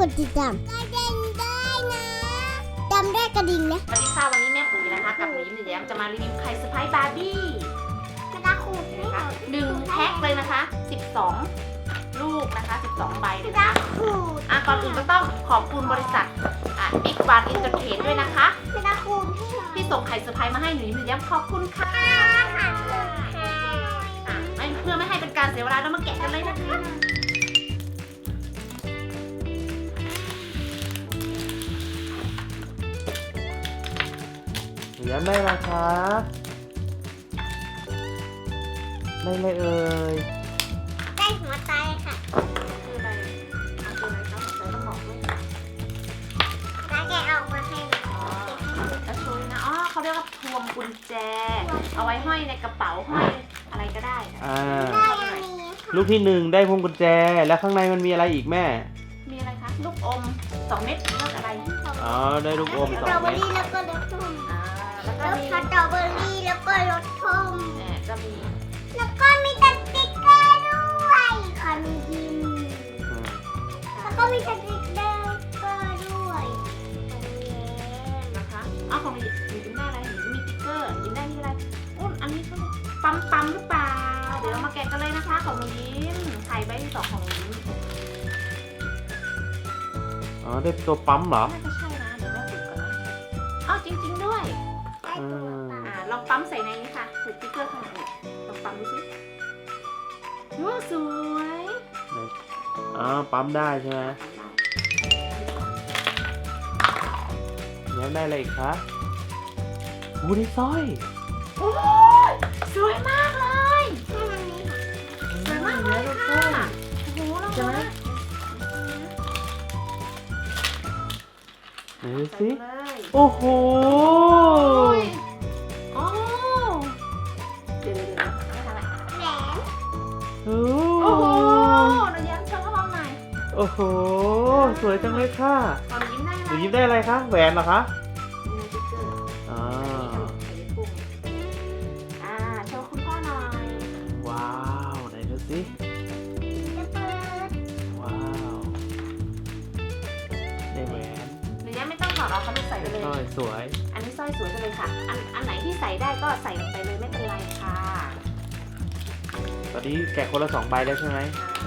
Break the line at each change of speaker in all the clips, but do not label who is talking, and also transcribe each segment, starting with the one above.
ดติดตามกระดิ่งได้นะจำได้กระดิ่งนะ
สวัสดีค่ะวันนี้แม่ปุ๋ยนะคะกับหนูยิ้มหนูแย้มจะมารีวิวไข่เซอร์ไพรส์บาร์บี้
กระดาษขูด
นะคะ1แพ็คเลยนะคะ12ลูกนะคะ12ใบเลยนะคะ
ขูด
ก่อนอื่นก็ต้องขอบคุณบริษัทX1 Entertain ด้วยนะคะ
กระดาษขูดให้หน่อย
ที่ส่งไข่เซอร์ไพรส์มาให้หนูยิ้มหนูแย้มขอบคุณค่ะเพื่อไม่ให้เป็นการเสียเวลาเรามาแกะกันเลยนะคะ
หนูย้ำได้ราคาได้เลยเอ่ย
ได้หัวใจค่ะ
คืออะไรคืออะไรคะหัวใจต้องบอกด้วย
แล้วแกเอามาให้หนู
แล้วช่วยนะเขาเรียกว่าพวงกุญแจ เอาไว้ห้อยในกระเป๋าห้อยอะไรก็ได้นะ
ได้อันนี้ค่ะ
ลูกที่หนึ่งได้พวงกุญแจแล้วข้างในมันมีอะไรอีกแม่
มีอะไรคะลูกอม2 เม็ดเลือกอะไร
อ๋อได้ลูกอม
ส
สอ
ตรอง เบอ
เม็ด
รี่แล้วก็รสส้ม
แล้วก็
แล้ว
มี
สตรอเบอรี่แล้วก็รสส้ม
ก็มี
แล้วก็มีสติ๊กเกอร์ด้วยค่ะมียิ้ม
อืม
แล้วก็มีสติ๊กเกอร์ด้วย
นะคะของหนูยิ้มได้อะไรหนูมีติ๊กเกอร์ยิ้มได้ที่อะไรอันนี้ก็ปั๊มหรือเปล่าเดี๋ยวเรามาแกะกันเลยนะคะของหนูยิ้มไข่ใบที่2ของหนูยิ้ม
อ๋อได้ตัวปั๊มเหรอ
น่าจะใช่นะเดี๋ยวแม่ฝึกก่อนนะจริงๆด้วย
ได้ตัวเปล่า
ลองปั๊มใส่ในนี้ค่ะถือติ๊กเกอร์ข้างในลองปั๊มดูสิสวย
อ๋อปั๊มได้ใช่ไหมย้ำได้อะไรอีกคะอู้ได้สร้อย
โอ้ยสวยมากเลย
ให้มันนี้ค่ะ
สวยมากเลยค่ะโอ้โหลองดูนะ
ไหนดู
ใส่
สิ
เลย
โอ้โห
โอ้เดี๋ยวไม่ทำอะไร
แหวน
โอ้
โอ้โหเราย้ำโชว์ให้เราหน่อย
โอ้โหสวยจังเลยค่ะ
ตอนยิ้มได้
หนูยิ้มได้อะไรคะแหวนเหรอคะ
มีติ๊กเกอร์
อ๋อ
ใส่กุ้งโชว์คุณพ่อหน่อย
ว้าวไหนดูสิ
จะเปิด
ว้าวได้แหวน
หรือยังไม่ต้องถอดออกเขาไม่ใส่ไปเลย
สร้อยสวย
อันนี้สร้อยสวยจังเลยค่ะ อันไหนที่ใส่ได้ก็ใส่ลงไปเลยไม่เป็นไรค่ะ
ตอนนี้แกะคนละ2 ใบแล้วใช่ไหม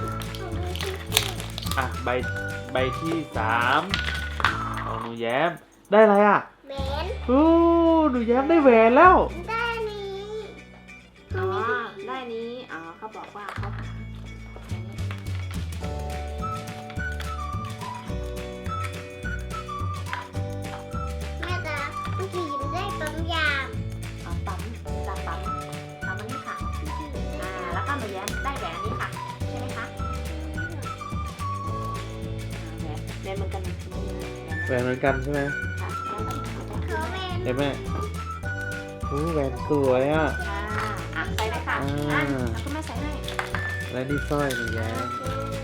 อ่ะใบที่3ของหนูแย้มได้อะไรอ่ะ
แหวน
โอ้หนูแย้มได้แหวนแล้ว
ได้อันนี้
อ๋อได้นี้เขาบอกว่าเขาหาอันนี้
แม่จ๊ะเมื่อกี้ยิ้มได้ปั๊มยาม
ปั๊มจากปั๊มอันนี้ค่ะแล้วก็หนูแย้มได้แหวนอันนี้ค่ะใช่ไหมคะแหวนเหมือนกัน
แหวนเหมือนกันใช่ไหม
ค่ะ
เขาเป็น
ได้ไหมโอ้แหวนสวยอ่ะ
ใส่เลยค่ะคุณแม่ใส่ให้
และนี่สร้อยหนูแย้ม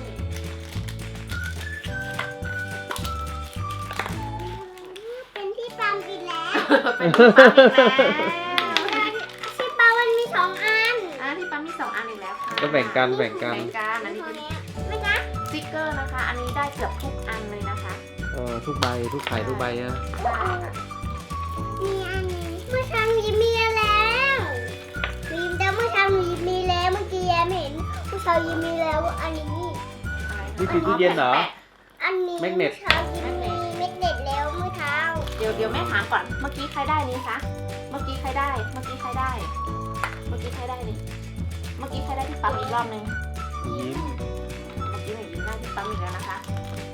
เป็นที่ปั๊มอีกแล้ว
เป็นที่ปั๊มอีกแล้ว
ที่ปั๊มมันมี2 อัน
ที่ปั๊มมี2 อันอีกแล้วค่ะ
ก็แบ่งกัน
อันนี้เป็น
ไม่นะ
สติ๊กเกอร์นะคะ อันนี้ได้เกือบทุกอันเลยนะคะ
ทุกใบทุกไข่ทุกใบนะ
มีอันนี้เมื่อเช้าหนูยิ้มมีแล้วหนูยิ้มแต่เมื่อเช้าหนูยิ้มมีแล้วเมื่อกี้แย้มเห็นเมื่อเช้ายิ้มมีแล้วอันนี้
นี่คือตู้เย็นเหรอ
อันนี้
แมกเน็ต
เมื่อเช้ายิ้มมีแมกเน็ตแล้วเมื่อเช้า
เดี๋ยวแม่ถามก่อน เมื่อกี้ใครได้นี้คะ เมื่อกี้ใครได้ เมื่อกี้ใครได้ เมื่อกี้ใครได้นี่ เมื่อกี้ใครได้ที่ปั๊มอีกรอบนึง
ยิ้ม
เมื่อกี้หนูยิ้มได้ที่ปั๊มอีกแล้วนะคะ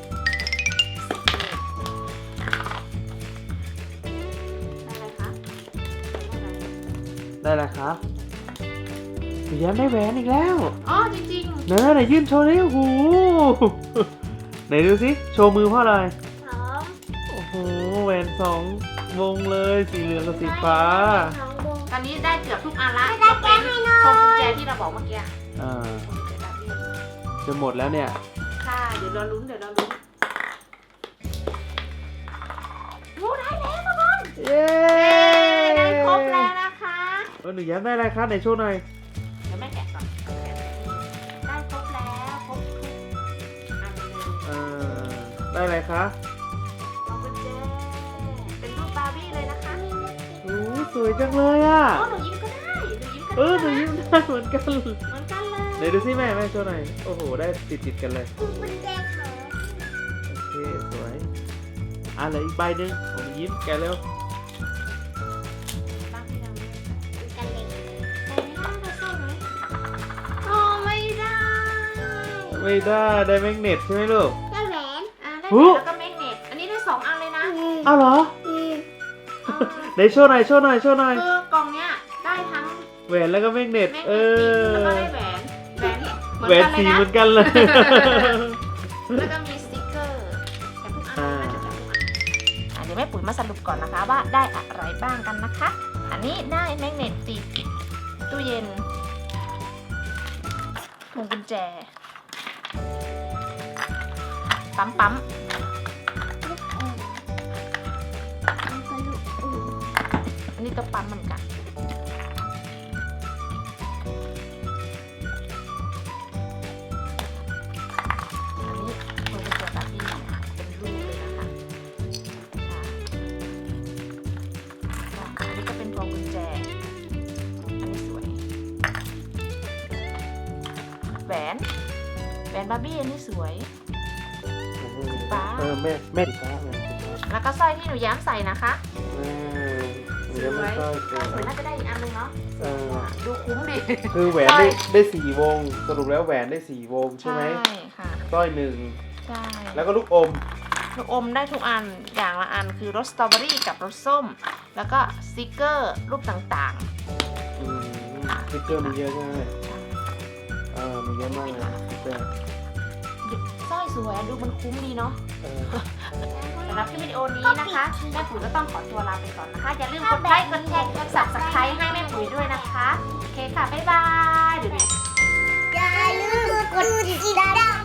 ได้เลยคะ
ได้แล้วครับหนูแย้มได้แหวนอีกแล้ว
จริง
ไหนยื่นโชว์เลยโอ้โหไหนดูสิโชว์มือพ่อเลย
สอง
โอ้โหแหวน2 วงเลยสีเหลืองกับสีฟ้า
สองวง
ๆตอนนี้ได้เกือบทุกอันละ
ไม่ได้แก้ให้หน่อย
พวงกุญแจที่เราบอกเมื่อกี้
อ่า
พวงกุญแจแบบนี้
จะหมดแล้วเนี่ย
ค่ะ เดี๋ยวเราลุ้นโอ้ได้แล้วทุกคน
เย้
ได้ครบแล้วนะคะ
หนูแย้มได้อะไรครับไหนโชว์หน่อย
เดี๋ยวแม่แกะก่อนได้ครบแล้วครบทุกอันเลย
ได้ได้อะไรคะ
พวงกุญแจเป็นรูปบาร์บี้เลยนะคะ
โอ้สวยจังเลยอ่ะ
โอ้หนูยิ้มก็ได้หนูยิ้มก็
หนูยิ้มได้เหมือนกัน
เหมือนกันเลย
ไหนดูสิแม่โชว์หน่อยโอ้โหได้ติดกันเลย
คุณกุญแจค่ะ
โอเคสวยเหลืออีกใบหนึ่งของหนูยิ้มแกะเร็ว
บ้างที่ยังไม่ได้ใส่
กันเลย
ใส่ไม่ได้เราใส่ไหมโอ้ไม่ได้
ไม่ได้ได้แมกเนตใช่ไหมลูก
ได้แหวน
ได้
หู
แล้วก็แมกเนตอันนี้ได้2 อันเลยนะ
อ้าวเหรอ
อืม
อ่า
ไหนโชว์หน่อย
คือกล่องเนี้ยได้ทั้ง
แหวนแล้วก็แมกเนต
แมกเนตแล้วก็ได้แหวนเหมือน
แหวน
กันเล
สี
ยนะ
เหมือนกันเลย
แล้วก็มีสติกเกอร์แต่ทุกอันน่าจะแต่ทุกอันเดี๋ยวแม่ปุ๋ยมาสรุปก่อนนะคะว่าได้อะไรบ้างกันนะคะ อันนี้ได้แมกเนตติดตู้เย็นพวงกุญแจปั๊มอันนี้ตัวปั๊มเหมือนกันอันนี้พวงกุญแจแบบนี้เป็นรูปเลยนะคะอันนี้ก็เป็นพวงกุญแจอันนี้สวยแหวนบาร์บี้อันนี้สวย ฟ้า
แม่สีฟ้าเลย
แล้วก็สร้อยที่หนูแย้มใส่นะคะ
หนูยังไม่ค่อยส
สวยน่าจะได้อีกอันนึงเนาะ ดูคุ้มดิ
คือแหวนได้4 วงสรุปแล้วแหวนได้4 วงใช่ไหม
ใช่ค่ะ
สร้อย
ใช่
1แล้วก็ลูกอม
ลูกอมได้ทุกอันอย่างละอันคือรสสตรอเบอรี่กับรสส้ม แล้วก็สติกเกอร์รูปต่าง
สติ๊กเกอร์มีเยอะมากเลยมีเยอะมากเลยสติ๊กเกอร์
ๆสร้อยสวยดูมันคุ้มดีเนาะ สำหรับคลิปวิดีโอนี้นะคะแม่ปุ๋ยก็ต้องขอตัวลาไปก่อนนะคะ อย่าลืมกดไลค์กดแชร์กด Subscribe ให้แม่ปุ๋ยด้วยนะคะโอเคค่ะบ๊ายบายเดี๋ยว
อย่าลืมกดติดตาม